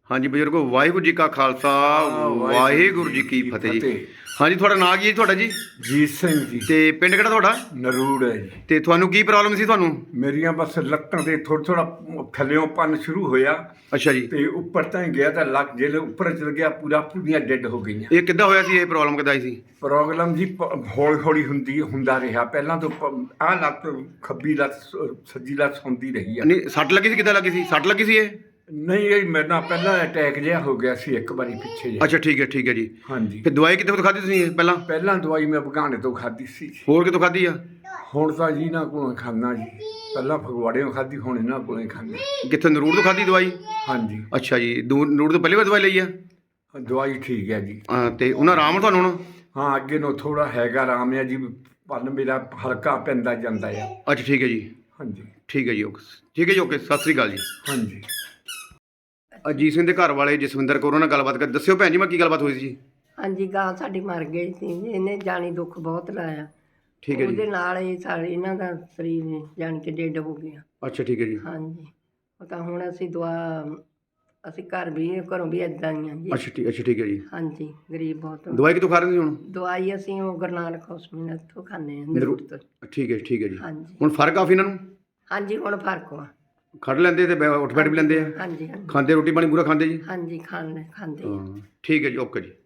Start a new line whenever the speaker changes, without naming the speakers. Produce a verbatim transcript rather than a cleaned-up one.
ਹਾਂਜੀ ਬਜ਼ੁਰਗੋ, ਵਾਹਿਗੁਰੂ ਜੀ ਕਾ ਖਾਲਸਾ ਵਾਹਿਗੁਰੂ ਜੀ ਕੀ ਫਤਿਹ ਜੀ। ਹਾਂਜੀ, ਤੁਹਾਡਾ ਨਾਂ ਕੀ ਹੈ ਜੀ? ਤੁਹਾਡਾ ਜੀ
ਜੀਤ ਸਿੰਘ ਜੀ।
ਤੇ ਪਿੰਡ ਕਿਹੜਾ ਤੁਹਾਡਾ?
ਨਰੂੜ ਹੈ ਜੀ।
ਤੇ ਤੁਹਾਨੂੰ ਕੀ ਪ੍ਰੋਬਲਮ ਸੀ ਤੁਹਾਨੂੰ?
ਮੇਰੀਆਂ ਬਸ ਲੱਤਾਂ ਤੇ ਥੋੜਾ ਥੋੜਾ ਥੱਲਿਓਂ ਪੰਨ ਸ਼ੁਰੂ ਹੋਇਆ
ਅੱਛਾ ਜੀ।
ਤੇ ਉੱਪਰ ਤਾਂ ਹੀ ਗਿਆ ਤਾਂ ਲੱਕ ਜਿਹੜੇ ਉੱਪਰ ਚਲ ਗਿਆ ਪੂਰਾ ਪੂਰੀਆਂ ਡੈਡ ਹੋ ਗਈਆਂ।
ਇਹ ਕਿੱਦਾਂ ਹੋਇਆ ਸੀ? ਇਹ ਪ੍ਰੋਬਲਮ ਕਿੱਦਾਂ ਆਈ ਸੀ?
ਪ੍ਰੋਬਲਮ ਜੀ ਹੌਲੀ ਹੌਲੀ ਹੁੰਦੀ ਹੁੰਦਾ ਰਿਹਾ। ਪਹਿਲਾਂ ਤੋਂ ਆਹ ਲੱਤ ਖੱਬੀ ਲੱਤ ਸੱਜੀ ਲੱਤ ਹੁੰਦੀ ਰਹੀ ਆ।
ਨਹੀਂ, ਸੱਟ ਲੱਗੀ ਸੀ? ਕਿੱਦਾਂ ਲੱਗੀ ਸੀ? ਸੱਟ ਲੱਗੀ ਸੀ ਇਹ?
ਨਹੀਂ, ਇਹ ਮੇਰੇ ਨਾਲ ਪਹਿਲਾਂ ਅਟੈਕ ਜਿਹਾ ਹੋ ਗਿਆ ਸੀ ਇੱਕ ਵਾਰੀ ਪਿੱਛੇ ਜਿਹਾ।
ਅੱਛਾ ਠੀਕ ਹੈ ਠੀਕ ਹੈ ਜੀ।
ਹਾਂਜੀ।
ਫਿਰ ਦਵਾਈ ਕਿੱਥੋਂ ਖਾਧੀ ਤੁਸੀਂ ਇਹ ਪਹਿਲਾਂ?
ਪਹਿਲਾਂ ਦਵਾਈ ਮੈਂ ਬਗਾਨੇ ਤੋਂ ਖਾਧੀ ਸੀ।
ਹੋਰ ਕਿੱਥੋਂ ਖਾਧੀ ਆ?
ਹੁਣ ਤਾਂ ਜੀ ਇਹਨਾਂ ਕੋਲੋਂ ਖਾਂਦਾ ਜੀ। ਪਹਿਲਾਂ ਫਗਵਾੜਿਓਂ ਖਾਧੀ, ਹੁਣ ਇਹਨਾਂ ਕੋਲੋਂ ਹੀ ਖਾਂਦਾ।
ਕਿੱਥੇ? ਨਰੂੜ ਤੋਂ ਖਾਧੀ ਦਵਾਈ?
ਹਾਂਜੀ।
ਅੱਛਾ ਜੀ। ਦੂ ਨਰੂੜ ਤੋਂ ਪਹਿਲੀ ਵਾਰ ਦਵਾਈ ਲਈ ਆ?
ਦਵਾਈ ਠੀਕ ਹੈ ਜੀ।
ਹਾਂ, ਤੇ ਉਹਨਾਂ ਆਰਾਮ ਆ ਤੁਹਾਨੂੰ ਹੁਣ?
ਹਾਂ, ਅੱਗੇ ਨੂੰ ਥੋੜਾ ਹੈਗਾ ਆਰਾਮ ਹੈ ਜੀ। ਪੰਨ ਮੇਰਾ ਹਲਕਾ ਪੈਂਦਾ ਜਾਂਦਾ ਆ।
ਅੱਛਾ ਠੀਕ ਹੈ ਜੀ।
ਹਾਂਜੀ
ਠੀਕ ਹੈ ਜੀ। ਓਕੇ ਠੀਕ ਹੈ ਜੀ। ਓਕੇ, ਸਤਿ ਸ੍ਰੀ ਅਕਾਲ ਜੀ।
ਹਾਂਜੀ।
ਅਜੀਤ ਸਿੰਘ ਦੇ ਘਰ ਵਾਲੇ ਜਸਵਿੰਦਰ ਕੌਰ ਨਾਲ ਗੱਲਬਾਤ ਕਰ। ਦੱਸਿਓ ਭੈਣ ਜੀ, ਮੈਂ ਕੀ ਗੱਲਬਾਤ ਹੋਈ ਸੀ ਜੀ?
ਹਾਂਜੀ, ਗਾਂ ਸਾਡੀ ਮਰ ਗਈ ਸੀ। ਇਹਨੇ ਜਾਣੀ ਦੁੱਖ ਬਹੁਤ ਲਾਇਆ।
ਠੀਕ ਹੈ ਜੀ।
ਉਹਦੇ ਨਾਲ ਇਹ ਸਾਰੇ ਇਹਨਾਂ ਦਾ ਸਰੀਰ ਨੇ ਜਾਣੀ ਕਿ ਡੇਡ ਹੋ ਗਿਆ।
ਅੱਛਾ ਠੀਕ ਹੈ ਜੀ।
ਹਾਂਜੀ, ਉਹ ਤਾਂ ਹੁਣ ਅਸੀਂ ਦੁਆ ਅਸੀਂ ਘਰ ਵੀ ਘਰੋਂ ਵੀ ਇੱਦਾਂ ਹੀ ਆ ਜੀ।
ਅੱਛਾ ਠੀਕ ਅੱਛਾ ਠੀਕ ਹੈ ਜੀ।
ਹਾਂਜੀ, ਗਰੀਬ ਬਹੁਤ ਹਾਂ।
ਦਵਾਈ ਕਿੱਥੋਂ ਖਾ ਰਹੇ ਸੀ ਹੁਣ?
ਦਵਾਈ ਅਸੀਂ ਉਹ ਗੁਰੂ ਨਾਨਕ ਹੌਸਪੀਟਲ ਤੋਂ ਖਾਂਦੇ ਹਾਂ, ਨਰੂੜ ਤੋਂ।
ਠੀਕ ਹੈ ਠੀਕ ਹੈ ਜੀ।
ਹਾਂਜੀ
ਹੁਣ ਫਰਕ ਕਾਫੀ ਇਹਨਾਂ ਨੂੰ?
ਹਾਂਜੀ, ਹੁਣ ਫਰਕ ਆ।
ਖੜ ਲੈਂਦੇ ਤੇ ਬੈ- ਉੱਠ ਬੈਠ ਵੀ ਲੈਂਦੇ ਆ?
ਹਾਂਜੀ ਹਾਂਜੀ
ਖਾਂਦੇ ਰੋਟੀ ਪਾਣੀ ਪੂਰਾ ਖਾਂਦੇ ਜੀ?
ਹਾਂਜੀ, ਖਾਂਦੇ ਖਾਂਦੇ ਆ।
ਹਾਂ ਠੀਕ ਹੈ ਜੀ। ਓਕੇ ਜੀ।